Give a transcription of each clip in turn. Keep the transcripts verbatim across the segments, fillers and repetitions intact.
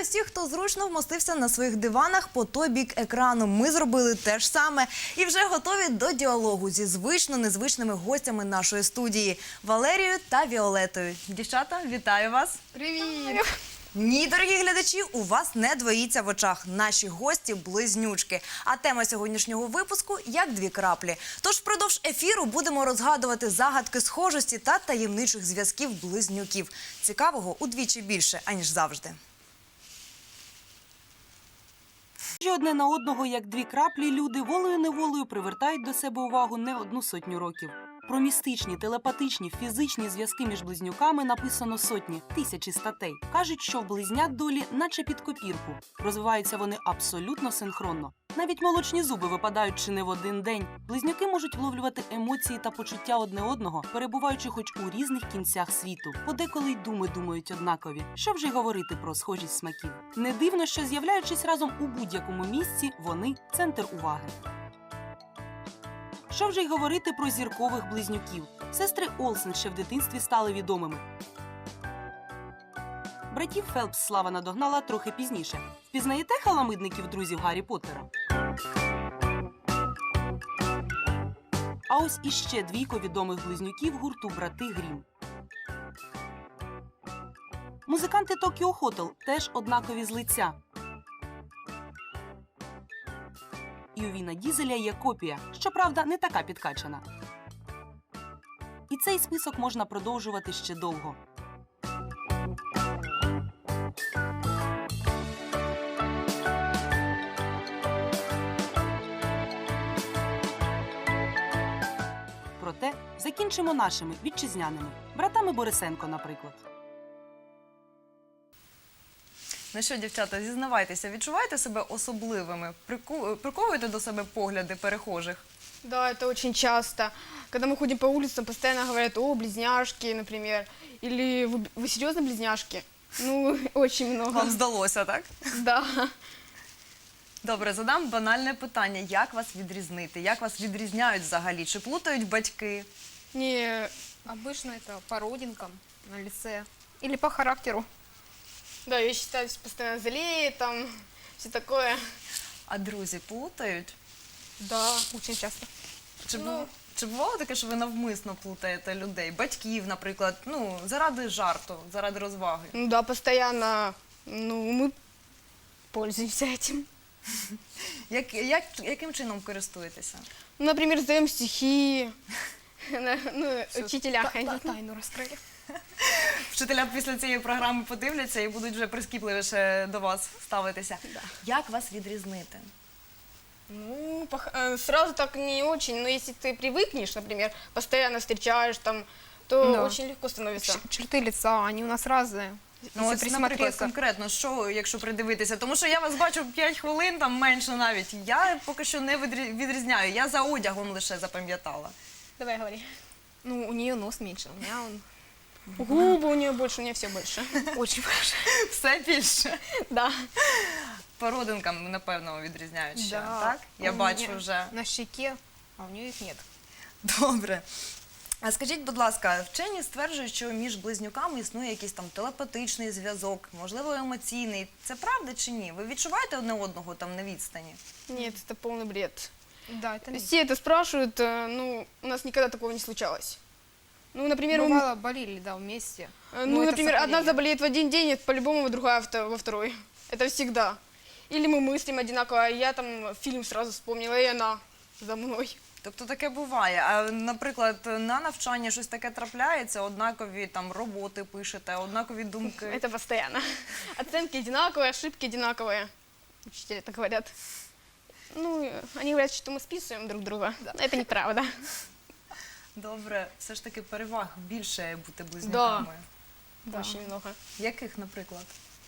Вітаю всіх, хто зручно вмостився на своїх диванах по той бік екрану. Ми зробили те ж саме і вже готові до діалогу зі звично незвичними гостями нашої студії – Валерією та Віолетою. Дівчата, вітаю вас! Привіт! Ні, дорогі глядачі, у вас не двоїться в очах. Наші гості – близнючки. А тема сьогоднішнього випуску – як дві краплі. Тож впродовж ефіру будемо розгадувати загадки схожості та таємничих зв'язків близнюків. Цікавого удвічі більше, аніж завжди. Одне на одного, як дві краплі, люди волею-неволею привертають до себе увагу не одну сотню років. Про містичні, телепатичні, фізичні зв'язки між близнюками написано сотні, тисячі статей. Кажуть, що в близнят долі наче під копірку. Розвиваються вони абсолютно синхронно. Навіть молочні зуби випадають чи не в один день. Близнюки можуть вловлювати емоції та почуття одне одного, перебуваючи хоч у різних кінцях світу. Подеколи й думи думають однакові. Що вже й говорити про схожість смаків. Не дивно, що з'являючись разом у будь-якому місці, вони – центр уваги. Що вже й говорити про зіркових близнюків. Сестри Олсен ще в дитинстві стали відомими. Братів Фелпс слава надогнала трохи пізніше. Впізнаєте халамидників друзів Гаррі Поттера? А ось іще двійко відомих близнюків гурту «Брати Грім». Музиканти Токіо Хотел теж однакові з лиця. І у Віна Дізеля є копія, щоправда, не така підкачана. І цей список можна продовжувати ще довго. Проте закінчимо нашими вітчизняними. Братами Борисенко, наприклад. Ну що, дівчата, зізнавайтеся, відчуваєте себе особливими? Прику... Приковуєте до себе погляди перехожих? Да, это очень часто. Когда мы ходим по улицам, постоянно говорят: о, близняшки, например. Или вы, вы серьезно близняшки? Ну, очень много. Вам здалося, так? Да. Добре, задам банальне питання. Як вас відрізнити? Як вас відрізняють взагалі? Чи плутають батьки? Не, Обычно это по родинкам на лице или по характеру. да, я считаю, постоянно залеет, там, все такое. А друзі плутають? Да, очень часто. Чи, Ну. бу- Чи бувало таке, що ви навмисно плутаєте людей? Батьків, наприклад, ну, заради жарту, заради розваги? Ну да, постоянно, ну, мы пользуемся этим. Як, як, яким чином користуєтеся? Ну, например, сдаем стихи, на- ну, учителя Та- ходить. та- Тайну раскрыли. Вчителя після цієї програми подивляться і будуть вже прискіпливіше до вас ставитися. Як вас відрізнити? Ну, пох- э, сразу так не очень, но если ты привыкнешь, например, постоянно встречаешь там, то Да. очень легко становится. Ч- Черты лица, они у нас разные. Ну, Если ось, наприклад, присмотреться. конкретно, що, якщо придивитися? Тому що я вас бачу п'ять хвилин, там менше навіть. Я поки що не відрі- відрізняю, я за одягом лише запам'ятала. Давай говори. Ну, у нее нос меньше, у меня он Губы у нее больше, у нее все больше. очень большой. Все більше. Да. По родинкам, напевно, відрізняють ще, Да. так? Я У бачу меня вже. на щеке, а у нее их нет. Добре. А скажіть, будь ласка, вчені стверджують, що між близнюками існує якийсь там телепатичний зв'язок, можливо, емоційний. Це правда чи ні? Ви відчуваєте одне одного там на відстані? Нет, это полный бред. Да, это миф. Все это спрашивают, э, ну, у нас никогда такого не случалось. Ну, например, мы- Бывало, болели, да, вместе. э, но ну, это например, одна совпадение. заболеет в один день, это по-любому другая вто- во второй. Это всегда. Или мы мыслим одинаково, а я там фильм сразу вспомнила, и она за мной. Тобто таке буває. А, наприклад, на навчанні щось таке трапляється, однакові там роботи пишете, однакові думки. Это постоянно. Оценки одинаковые, ошибки одинаковые. Учителя так говорят. Ну, э, они говорят, что мы списываем друг друга. Но это неправда. Добре, все ж таки переваг більше бути близнюками. Да. Очень много. Яких, наприклад?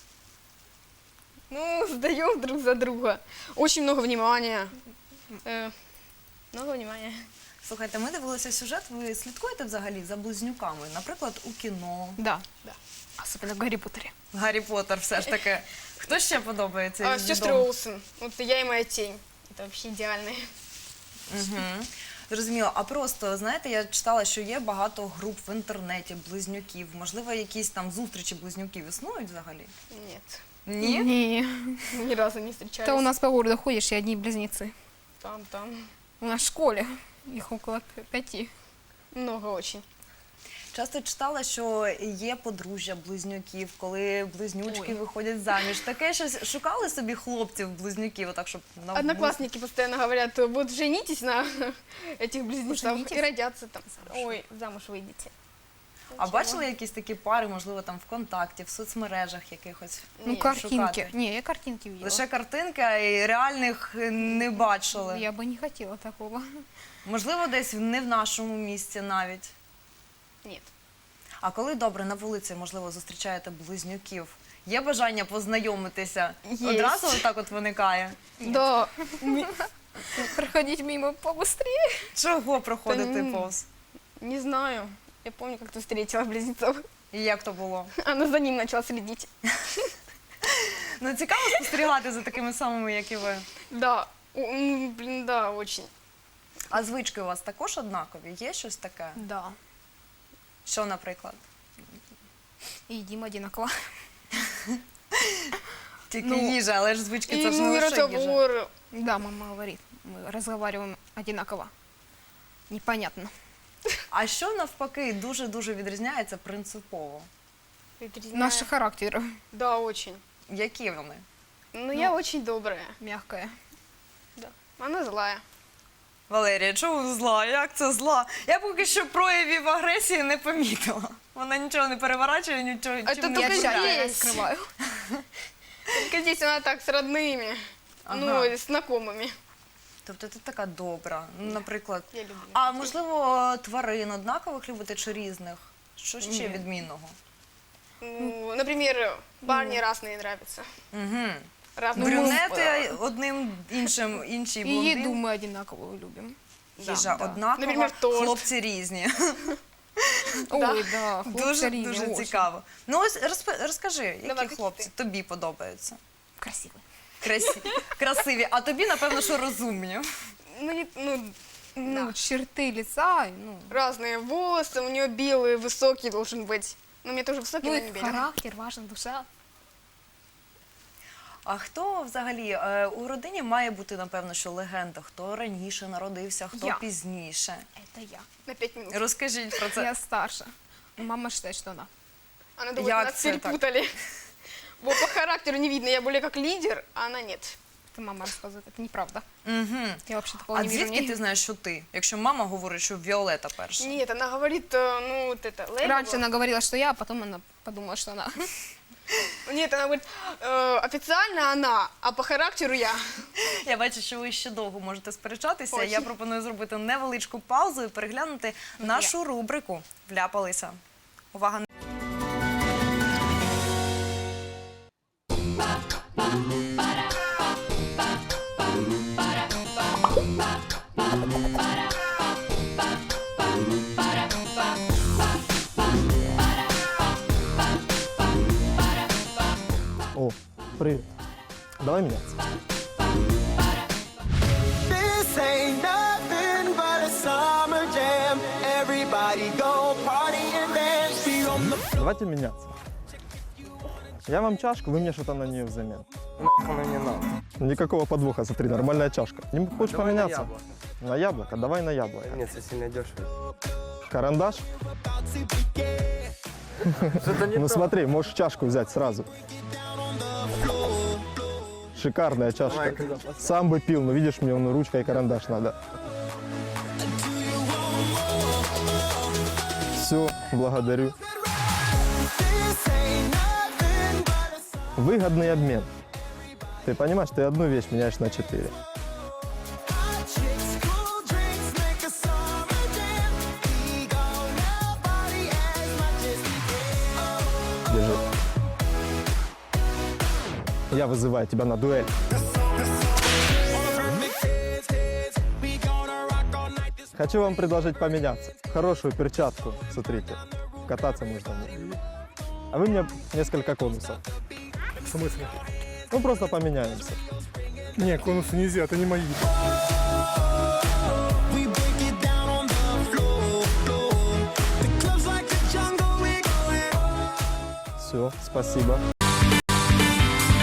Ну, сдаем друг за друга. Очень много внимания. Э, много внимания. Слухайте, ми дивилися сюжет, ви слідкуєте взагалі за близнюками? Наприклад, у кіно, Да, да. Особенно в Гарри Поттере. Гаррі Поттер все ж таки. Хто ще подобається? А, із сестры відомих? Олсен. Вот я и моя тень. Это вообще идеальные. Угу. Зрозуміло. А просто, знаєте, я читала, що є багато груп в інтернеті близнюків. Можливо, якісь там зустрічі близнюків існують взагалі? Нет. Ні? Не. Ни разу не встречались. Это у нас по городу ходишь, и одни близнецы. Там, там. У нас в школе их около п- пяти. Много очень. Часто читала, що є подружжя близнюків, коли близнючки Ой. виходять заміж. Таке щось шукали собі хлопців-близнюків, отак, щоб на Одноклассники постоянно говорят, вот женитесь на этих близнецах Женитесь? и родятся там. Ой, замуж выйдете. А бачили якісь такі пари, можливо, там ВКонтакті, в соцмережах якихось? Ну, Нет, картинки. шукати. Не, я картинки видела. Лише картинки, а й реальних не бачили. Я бы не хотела такого. Можливо, десь не в нашому місті навіть. Нет. А коли добре на вулиці, можливо, зустрічаєте близнюків, є бажання познайомитися? Є. Одразу так от виникає? Да. Проходить мимо побыстрее. Чого проходити Та ні. повз? Не знаю. Я помню, как ты встретила близнецов. І як то було? Она за ним начала следить. Ну, цікаво спостерігати за такими самими, як і ви. Да. О, м, Блин, да, очень. А звички у вас також однакові? Є щось таке? Да. Що, наприклад? И едим одинаково. Тільки Ну, їжа, але ж звички И це ж не ну, и лише їжа. разговор. Да, мама говорит, мы разговариваем одинаково. Непонятно. А що навпаки дуже-дуже відрізняється принципово? Наши характеры Да, очень. Які вони? Ну, я очень добрая. мягкая. Да. Она злая. Валерія, чому зла? Як це зла? Я поки що проявів агресії не помітила. Вона нічого не переворачує, нічого А чим то не только Я вдаряє. тщательно здесь. скрываю. Только здесь она так с родными. Ага. Ну, и с знакомыми. Тобто ти така добра, ну, наприклад. Я люблю. А можливо, тварин однакових любите чи різних? Що ще Ні. відмінного? Ну, например, парни разные нравятся. Угу. Разные. Брюнети одним іншим, інші И блондин. еду мы одинаково любим. Їжа да. однакова, Наприклад, торт. хлопці різні. Ой, да, Дуже, хлопцы різні, дуже очень. цікаво. Ну ось розп- розкажи, які Давай, які хлопці ти? тобі подобаються? Красивый. Красі... Красиві, а тобі, напевно, що розумні. Ну, не- ну, Ну, черты лица, ну, разные волосы, у нее белый, высокий должен быть. Ну, у меня тоже высокий, ну но и не белый. характер, важна душа. А хто взагалі е, у родині має бути, напевно, що легенда? Хто раніше народився, хто Я. пізніше? Это я. На пять минут. Розкажіть про це. Я старше. Мама считает, что она. Она думает, Як нас це так? перепутали. Вот по характеру не видно, я более как лидер, а она нет. Это мама рассказывает. Это неправда. Угу. Я вообще такого А не вижу. звідки Нет. ти знаєш, що ти? Якщо мама говорить, що Віолета перша. Нет, она говорит, э, ну, вот это, лейбл. Раньше она говорила, что я, а потом она подумала, что она. Нет, она говорит, э, официально она, а по характеру я. Я бачу, що ви ще довго можете сперечатися. Ой. Я пропоную зробити невеличку паузу і переглянути нашу рубрику «Вляпалися». Увага! О, привет. Давай меняться. This ain't nothing but a summer jam. Everybody go party and dance. Be on the Давайте меняться. Я вам чашку, вы мне что-то на нее взамен. Оно не надо. Никакого подвоха, смотри, нормальная чашка. Не хочешь Давай поменяться? на яблоко. На яблоко? Давай на яблоко. Нет, это сильно дешево. Карандаш? Что-то не Ну то. смотри, можешь чашку взять сразу. Шикарная Давай, чашка. когда пос- Сам бы пил, но видишь, мне он ручка и карандаш надо. Все, благодарю. this ain't nothing but a summer Выгодный обмен. Ты понимаешь, ты одну вещь меняешь на четыре. chicks, cool drinks make a summer jam. We gonna party as much as we can. Держи. Я вызываю тебя на дуэль. Хочу вам предложить поменяться. Хорошую перчатку, смотрите. Кататься можно в ней. А вы мне несколько конусов. В смысле? Ну, просто поменяемся. Не, конусы нельзя, это не мои. We break it down on the floor, floor. The club's like a jungle, we going. Все, спасибо.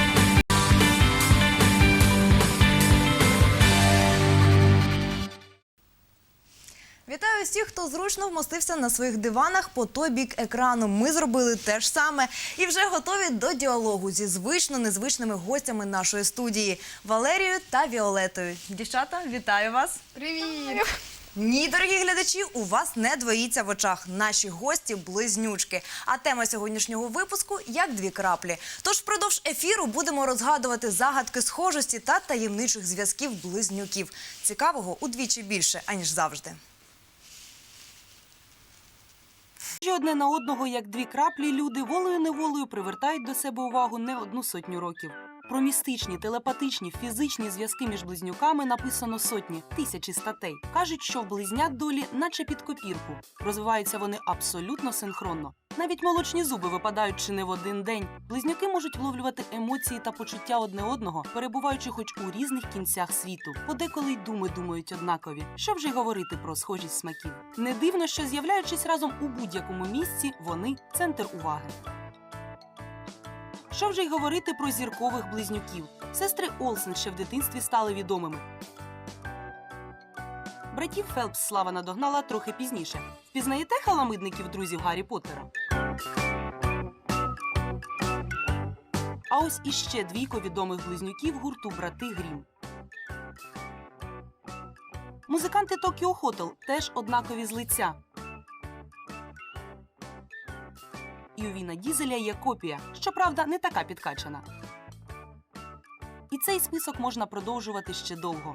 хто зручно вмостився на своїх диванах по той бік екрану. Ми зробили те ж саме і вже готові до діалогу зі звично незвичними гостями нашої студії – Валерією та Віолетою. Дівчата, вітаю вас! Привет! Ні, дорогі глядачі, у вас не двоїться в очах. Наші гості – близнючки. А тема сьогоднішнього випуску – як дві краплі. Тож впродовж ефіру будемо розгадувати загадки схожості та таємничих зв'язків близнюків. Цікавого удвічі більше, аніж завжди. Схожі одне на одного, як дві краплі, люди волею-неволею привертають до себе увагу не одну сотню років. Про містичні, телепатичні, фізичні зв'язки між близнюками написано сотні, тисячі статей. Кажуть, що в близнят долі наче під копірку. Розвиваються вони абсолютно синхронно. Навіть молочні зуби випадають чи не в один день. Близнюки можуть вловлювати емоції та почуття одне одного, перебуваючи хоч у різних кінцях світу. Подеколи й думи думають однакові. Що вже й говорити про схожість смаків. Не дивно, що з'являючись разом у будь-якому місці, вони – центр уваги. Що вже й говорити про зіркових близнюків. Сестри Олсен ще в дитинстві стали відомими. Братів Фелпс слава надогнала трохи пізніше. Впізнаєте халамидників друзів Гаррі Поттера? А ось іще двійко відомих близнюків гурту «Брати Грім». Музиканти Tokyo Hotel теж однакові з лиця. І у Віна Дізеля є копія, щоправда, не така підкачана. І цей список можна продовжувати ще довго.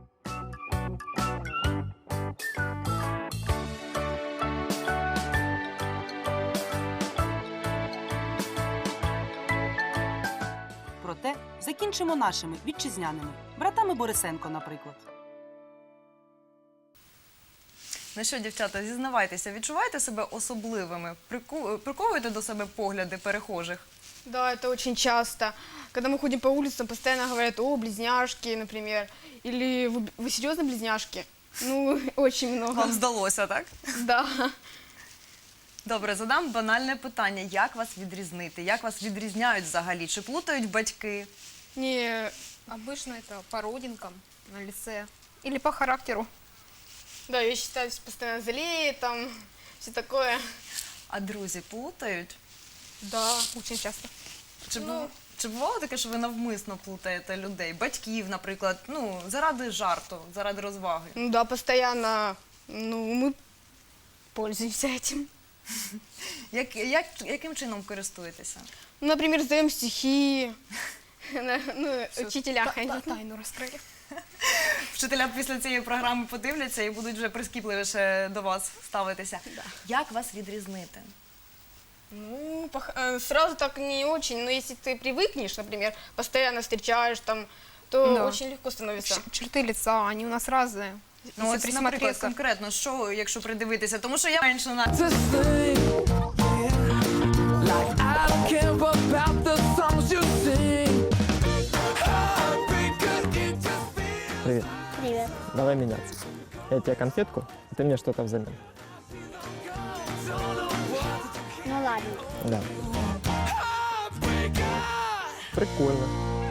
Проте закінчимо нашими вітчизняними. Братами Борисенко, наприклад. Ну що, дівчата, зізнавайтеся, відчуваєте себе особливими? Прику- Приковуєте до себе погляди перехожих? Да, это очень часто. Когда мы ходим по улицам, постоянно говорят: о, близняшки, например. Или вы, вы серьезно близняшки? Ну, очень много. Вам здалося, так? Да. Добре, задам банальне питання. Як вас відрізнити? Як вас відрізняють взагалі? Чи плутають батьки? Не, Обычно это по родинкам на лице или по характеру. да, я считаю, что постоянно залеет, там, все такое. А друзі плутають? Да, очень часто. Чи, Ну. бу- чи бувало таке, що ви навмисно плутаєте людей? Батьків, наприклад, ну, заради жарту, заради розваги? Ну да, постоянно, ну, мы пользуемся этим. Як, як, яким чином користуєтеся? Ну, например, сдаем стихи, на- ну, учителя Та- ходить. та- Тайну раскрыли. Вчителя після цієї програми подивляться і будуть вже прискіпливіше до вас ставитися. Як вас відрізнити? Ну, пох- э, сразу так не очень, но если ты привыкнешь, например, постоянно встречаешь там, то Да. очень легко становится. Ч- Черты лица, они у нас разные. Ну, Если ось, наприклад, присмотреться. конкретно, що, якщо придивитися? Тому що я менше на... I don't care about the songs you sing. Привет. Привет. Давай меняться. Я тебе конфетку, а ты мне что-то взамен. Ну ладно. Да. Прикольно.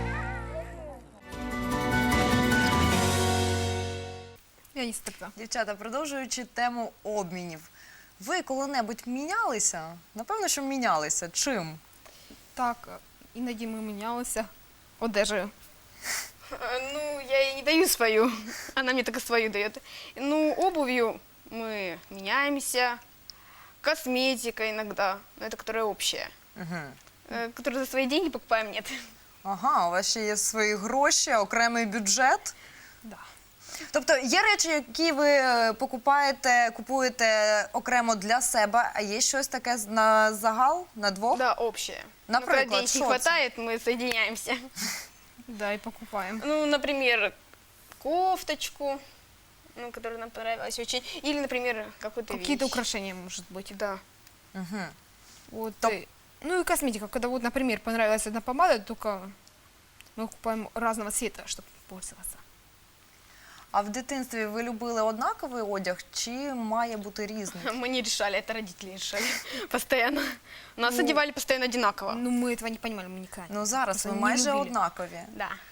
Я не стыдна. Дівчата, продовжуючи тему обмінів. Ви коли-небудь мінялися? Напевно, що мінялися. Чим? Так, іноді ми мінялися одежею. Э, Ну, я ей не даю свою, она мне только свою дает. Ну, обувью мы меняемся, косметика иногда, но это которая общая. Угу. Э, Которую за свои деньги покупаем, нет. Ага, у вас ще є свої гроші, окремий бюджет. Да. Тобто є речі, які ви е, покупаєте, купуєте окремо для себе, а є щось таке з- на загал, на двох? Да, общая. Но Например, когда денег что не это? хватает, мы соединяемся. Да, и покупаем. Ну, например, кофточку, ну, которая нам понравилась очень. Или, например, какой-то Какие-то вещь. украшения, может быть. Да. Угу. Вот. Топ. э, Ну и косметика. Когда вот, например, понравилась одна помада, только мы купаем разного цвета, чтобы пользоваться. А в дитинстві ви любили однаковий одяг чи має бути різний? Мы не решали, это родители решали постоянно. Нас Ну, одевали постоянно одинаково. Ну, мы этого не понимали, мы никогда. Ну зараз Просто ви не майже любили. однакові. Да.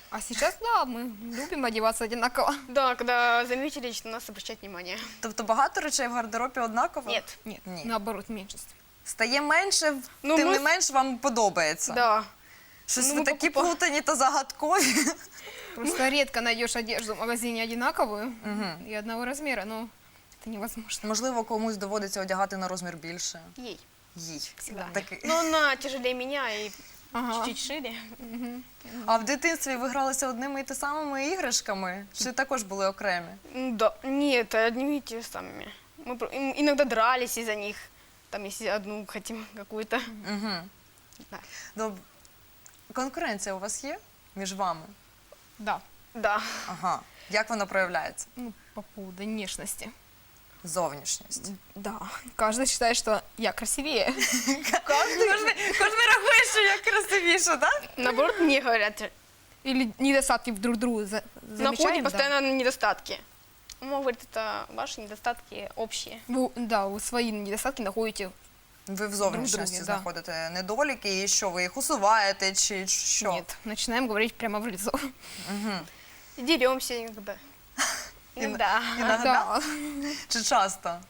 А сейчас, да, мы любим одеваться одинаково. Да, когда заметили, что на нас обращать внимание. Тобто багато речей в гардеробі однаково? Нет. Нет, Нет. наоборот, меньшинство. Стає менше, Ну, тим ми- не менш вам подобається. Да. Щось Ну, ви ми такі покупа- плутані та загадкові. Просто редко найдешь одежду в магазине одинаковую и одного размера, но это невозможно. Можливо, комусь доводиться одягати на розмір більше. Ей. Їй. Всегда. Такий. Но она тяжелее меня и Ага. чуть-чуть шире. А в дитинстві ви гралися одними і те самими іграшками? Чи також були окремі? Ну да. Нет, одними и те самыми. Мы про- ин- иногда дрались из-за них. Там, если одну хотим какую-то. Угу. Да. Доб... Конкуренція у вас є між вами? Да, Да. Ага. Як вона проявляється? ну, по поводу внешности. Зовнішність. Да, каждый считает, что я красивее. Кожен, кожен рахує, що я красивіша, так? Наоборот, мне говорят, Или недостатки друг друга за- находим замечаем. да. постоянно недостатки. Мама говорит, это ваши недостатки общие. Вы, да, вы свои недостатки находите. Ви в зовнішності друге, да. знаходите недоліки, і що ви їх усуваєте, чи що? Нет, начинаем говорить прямо в лицо. Деремся иногда. Иногда. Іногда? Да. Чи часто?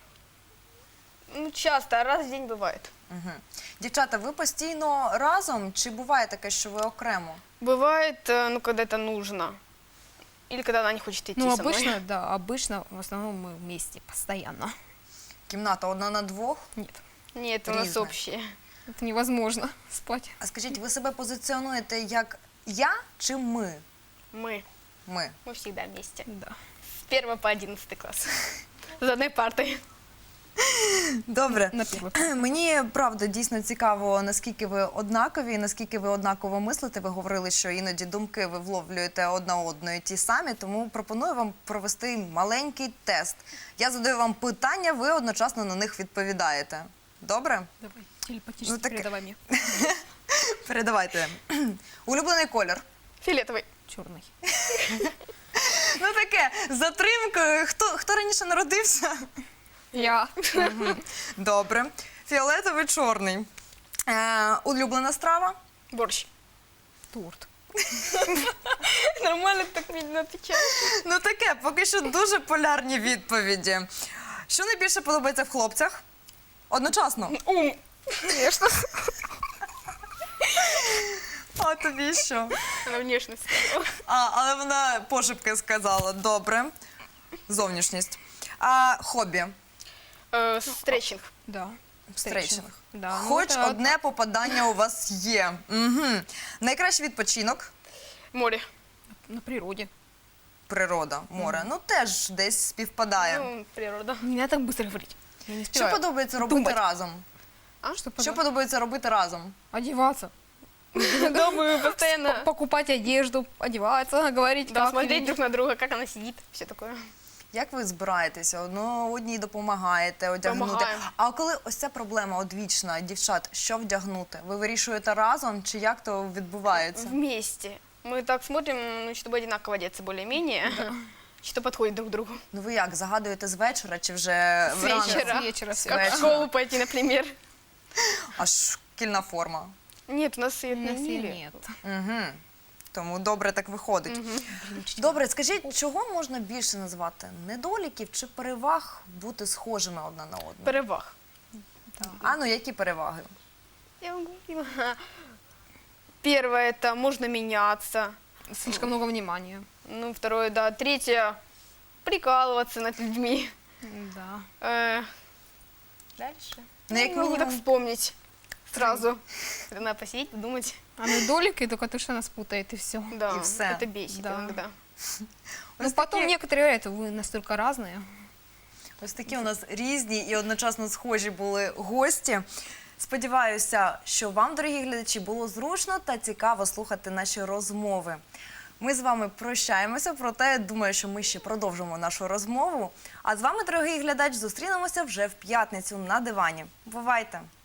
Ну, часто, а раз в день бывает. Угу. Дівчата, ви постійно разом, чи буває таке, що ви окремо? Бывает, э, ну, когда это нужно. Или когда она не хочет идти Ну, со мной. обычно, да, обычно в основном мы вместе постоянно. Кімната одна на двох? Нет, Нет, у нас Різне. общие. это невозможно спать. А скажіть, ви себе позиціонуєте як я чи ми? Мы. Ми. Мы всегда вместе. Да. С первого по одиннадцатый класс. За одной партой. Добре. На первый. Мені правда дійсно цікаво, наскільки ви однакові, наскільки ви однаково мислите. Ви говорили, що іноді думки ви вловлюєте одна одної ті самі, тому пропоную вам провести маленький тест. Я задаю вам питання, ви одночасно на них відповідаєте. Добре? Давай, телепатически Ну, так- передавай мне. Передавайте. Улюблений колір. Фиолетовый. Черный. Ну таке, з затримкою. Хто, хто раніше народився? Я. Добре. Фіолетовий, чорний. Е, улюблена страва? Борщ. Торт. Нормально так видно отвечаешь. Ну таке, поки що дуже полярні відповіді. Що найбільше подобається в хлопцях? Одночасно. Ум. Конечно. А тобі що? Она внешность сказала. А, але вона пошепки сказала. Добре. Зовнішність. А хобі? Э, Стретчинг. Да. Стретчинг. Да. ну Хоч это одне попадання у вас є. Угу. Найкращий відпочинок? Море. На природе. Природа, море. Ну теж десь співпадає. Ну, природа. Не надо так быстро говорить. Я не Що успеваю. подобається робити думать. разом? А? Что, Що подобається робити разом? Одеваться. Да, мы постоянно Покупать одежду, одеваться, говорить, да, как смотреть ты- друг на друга, как она сидит, все такое. Як ви збираєтеся? Одно одній допомагаєте одягнути. Помагаємо. А коли ось ця проблема одвічна, дівчат, що вдягнути? Ви вирішуєте разом чи як то відбувається? Вместе. Мы так смотрим, ну, чтобы одинаково одеться более-менее, что подходит друг к другу. Ну ви як, загадуєте з вечора чи вже С вранці? вечера. С вечера, с Как вечера. в школу пойти, например. Аж шкільна форма. Нет, у нас и У нас и отменили. нет. Угу. Тому добре так виходить. Добре, скажіть, чого можна більше назвати? Недоліків чи переваг бути схожими одна на одну? Переваг. А ну які переваги? Я вам говорила. Первое, это можно меняться. Слишком много внимания. Ну, второе, да. Третье, прикалываться над людьми. Да. Э, Дальше. Ну, як не могу так мінімум, вспомнить сразу. Надо посидеть, подумать. А недолики только то, что нас путает, и все. Да, И всё. это бесит Да. иногда. Ну, потом некоторые говорят, вы настолько разные. ось такі у нас різні і одночасно схожі були гості. Сподіваюся, що вам, дорогі глядачі, було зручно та цікаво слухати наші розмови. Ми з вами прощаємося, проте думаю, що ми ще продовжимо нашу розмову. А з вами, дорогий глядач, зустрінемося вже в п'ятницю на дивані. Бувайте!